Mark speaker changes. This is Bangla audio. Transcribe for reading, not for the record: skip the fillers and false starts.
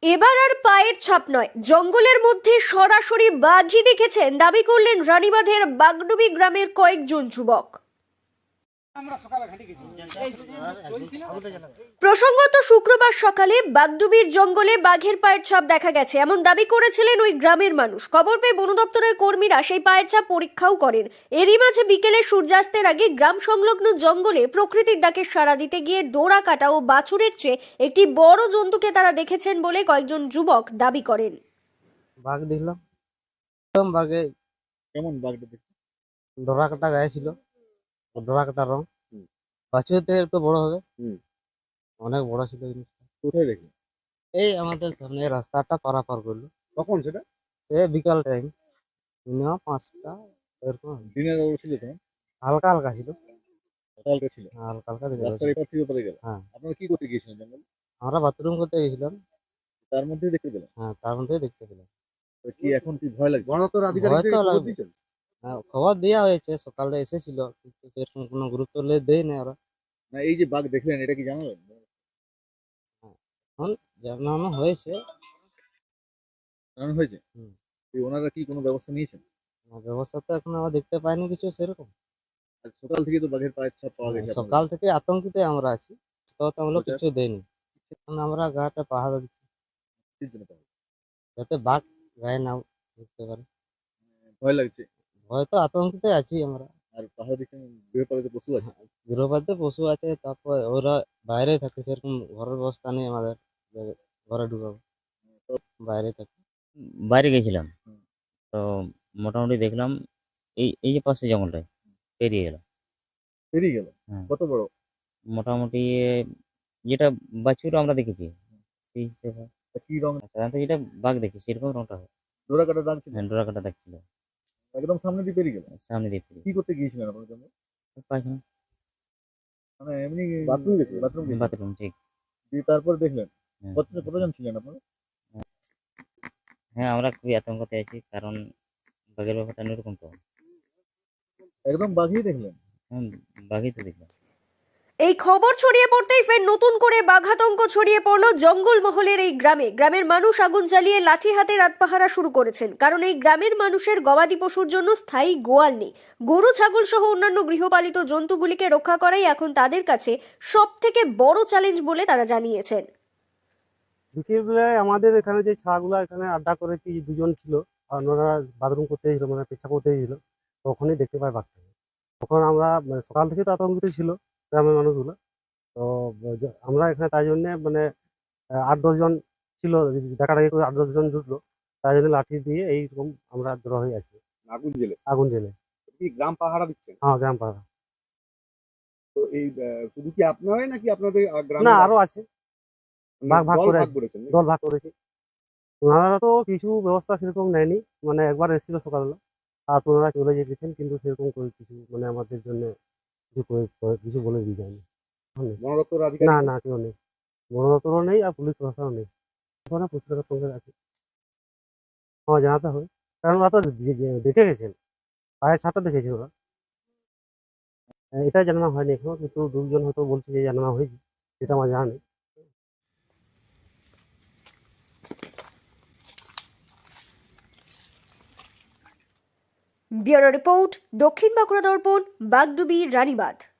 Speaker 1: এবার আর পায়ের ছাপ নয়, জঙ্গলের মধ্যে সরাসরি বাঘই দেখেছেন দাবি করলেন রানীবাঁধের বাগডুবি গ্রামের কয়েকজন যুবক। প্রসঙ্গত শুক্রবার সকালে বাগডুবির জঙ্গলে বাঘের পায়ের ছাপ দেখা গেছে এমন দাবি করেছিলেন ওই গ্রামের মানুষ। খবর পেয়ে বন দপ্তরের কর্মীরা সেই পায়ের ছাপ পরীক্ষাও করেন। এরই মাঝে বিকেলে সূর্যাস্তের আগে গ্রাম সংলগ্ন জঙ্গলে প্রকৃতির ডাকে সাড়া দিতে গিয়ে ডোরা কাটা ও বাছুরের চেয়ে একটি বড় জন্তুকে তারা দেখেছেন বলে কয়েকজন যুবক দাবি করেন।
Speaker 2: বাঘ দেখলাম, বাঘে
Speaker 3: কেমন বাঘটা দেখতে?
Speaker 2: ডোরা কাটা গায়ে ছিল, ডোরা কাটা রং। বাছুর থেকে একটু বড় হবে, অনেক বড় ছিল জিনিসটা।
Speaker 3: কোথায় দেখলেন?
Speaker 2: এই আমাদের সামনে রাস্তাটা পারাপার করলো,
Speaker 3: কখন সেটা?
Speaker 2: সে বিকাল টাইম, মিনিমাম 5টা এরকম হবে।
Speaker 3: দিনের আলো ছিল তখন?
Speaker 2: হালকা হালকা ছিল,
Speaker 3: সকালটা ছিল।
Speaker 2: হালকা হালকা দেখতে
Speaker 3: রাস্তার
Speaker 2: পাচ্ছি।
Speaker 3: এপার থেকে ওপারে গেল।
Speaker 2: হ্যাঁ,
Speaker 3: আপনারা কি করতে গিয়েছিলেন জঙ্গলে?
Speaker 2: আমরা বাথরুম করতে গেছিলাম।
Speaker 3: তার মধ্যেই দেখতে পেলেন?
Speaker 2: হ্যাঁ, তার মধ্যেই দেখতে পেলাম।
Speaker 3: তো কি এখন কি ভয় লাগছে?
Speaker 2: ভয় তো লাগবে। হ্যাঁ, খবর দেওয়া হয়েছে, সকালে এসেছিল, কিন্তু সেরকম কোনো গুরুত্ব দেয় না ওরা।
Speaker 3: না, এই যে বাঘ দেখলেন এটা কি জানালেন?
Speaker 2: এখন জানানো হয়েছে।
Speaker 3: জানানো হয়েছে?
Speaker 2: হুম।
Speaker 3: এই ওনারা কি কোনো ব্যবস্থা নিয়েছেন?
Speaker 2: ব্যবস্থা তো এখন আমরা দেখতে পাইনি কিছু সেরকম।
Speaker 3: আজ সকাল থেকে তো বাঘের পায়ের ছাপ পাওয়া গেছে।
Speaker 2: সকাল থেকে আতঙ্কিত আমরা আছি, তো আমরা
Speaker 3: আচ্ছা।
Speaker 2: কিছু দেয়নি। এখন আমরা গাটা পাহারা দিচ্ছি
Speaker 3: আপনাদের জন্য পাওয়া গেছে।
Speaker 2: যাতে বাঘ গায়ে না ঢুকতে পারে।
Speaker 3: ভয় লাগছে।
Speaker 2: হয়তো আতঙ্কিত আছি আমরা।
Speaker 3: আর পাহাড় দিচ্ছেন, গৃহপালিত পশু আছে।
Speaker 2: গৃহপালিত পশু আছে, তারপর ওরা বাইরে থাকে, সেরকম ঘরের ব্যবস্থা নেই আমাদের যে ঘরে ঢুকাবো, বাইরে থাকে।
Speaker 4: বাইরে গেছিলাম,
Speaker 3: হুম।
Speaker 4: তো মোটামুটি দেখলাম এই এই যে পাশে জঙ্গলটায় পেরিয়ে গেল।
Speaker 3: পেরিয়ে গেল?
Speaker 4: হ্যাঁ।
Speaker 3: কত বড়?
Speaker 4: মোটামুটি যেটা বাছুর আমরা দেখেছি সেই হিসেবে
Speaker 3: তা কি রং?
Speaker 4: সাধারণত যেটা বাঘ দেখি সেরকম রংটা হয়।
Speaker 3: ডোরা কাটা দাগ ছিল?
Speaker 4: হ্যাঁ, ডোরা কাটা দেখছিল
Speaker 3: একদম সামনে দিয়ে পেরিয়ে গেল?
Speaker 4: সামনে দিয়ে
Speaker 3: কি করতে গিয়েছিলেন আপনার জন্য?
Speaker 4: পায়খানা
Speaker 3: মানে এমনি বাথরুম গেছে? বাথরুম গেছে।
Speaker 4: বাথরুম, ঠিক।
Speaker 3: দিয়ে তারপর দেখলেন?
Speaker 4: হ্যাঁ।
Speaker 3: কতজন ছিলেন আপনারা?
Speaker 4: হ্যাঁ, আমরা খুবই আতঙ্কতে আছি, কারণ বাঘের ব্যাপারটা এরকম তো।
Speaker 3: একদম বাঘই দেখলেন?
Speaker 4: হ্যাঁ, বাঘই তো দেখলাম।
Speaker 1: এই খবর ছড়িয়ে পড়তেই ফের নতুন করে বাঘাতঙ্ক ছড়িয়ে পড়ল জঙ্গলমহলের এই গ্রামে। গ্রামের মানুষ আগুন জ্বালিয়ে লাঠি হাতে রাত পাহারা শুরু করেছেন, কারণ এই গ্রামের মানুষের গবাদি পশুর জন্য স্থায়ী গোয়াল নেই। গরু, ছাগল সহ অন্যান্য গৃহপালিত জন্তুগুলিকে রক্ষা করাই এখন তাদের কাছে সব থেকে বড় চ্যালেঞ্জ বলে তারা জানিয়েছেন।
Speaker 5: বিকেলবেলায় আমাদের এখানে যে ছাগুলা এখানে আড্ডা করেছি, দুজন ছিল, আর ওনারা বাথরুম করতে গেছিল, মানে পেচ্ছাপ করতে গেছিল, তখনই দেখতে পাই বাঘটাকে। তখন আমরা মানে সকাল থেকে তো আতঙ্কিত ছিল গ্রামের মানুষগুলো। তো আমরা এখানে তাই জন্যে মানে 8-10 জন ছিল, ডাকাডাকি করে 8-10 জন জুটলো, তাই জন্য লাঠি দিয়ে এইরকম আমরা জড়ো হয়ে আছি
Speaker 3: আগুন জেলে?
Speaker 5: আগুন জেলে।
Speaker 3: কি গ্রাম পাহারা দিচ্ছেন?
Speaker 5: হ্যাঁ, গ্রাম পাড়া।
Speaker 3: তো এই শুধু কি আপনারাই নাকি আপনাদের গ্রামে
Speaker 5: না, আরো আছে, ভাগ ভাগ করে আছে।
Speaker 3: করেছেন নাকি?
Speaker 5: দল ভাগ করেছি। ওনারা তো কিছু ব্যবস্থা সেরকম নেয়নি, মানে একবার এসেছিল সকালবেলা, আর ওনারা চলে গেছেন, কিন্তু সেরকম করে কিছু মানে আমাদের জন্য কিছু বলে দিয়ে যায়নি।
Speaker 3: বন দপ্তরের
Speaker 5: না
Speaker 3: আধিকারিক?
Speaker 5: না, কেউ নেই, বন দপ্তরও নেই, আর পুলিশ প্রশাসনও নেই। ওখানে প্রচুর সঙ্গে আছে, আমার জানাতে হবে, কারণ ওরা তো দেখে গেছেন, পায়ের ছাপটা দেখেছেন ওরা। এটা জানানো হয়নি এখনো, কিন্তু 2 জন হয়তো বলছে যে জানানো হয়েছে, সেটা আমার জানা নেই।
Speaker 1: ব্যুরো রিপোর্ট, দক্ষিণ বাঁকুড়া দর্পণ, বাগডুবি, রানীবাঁধ।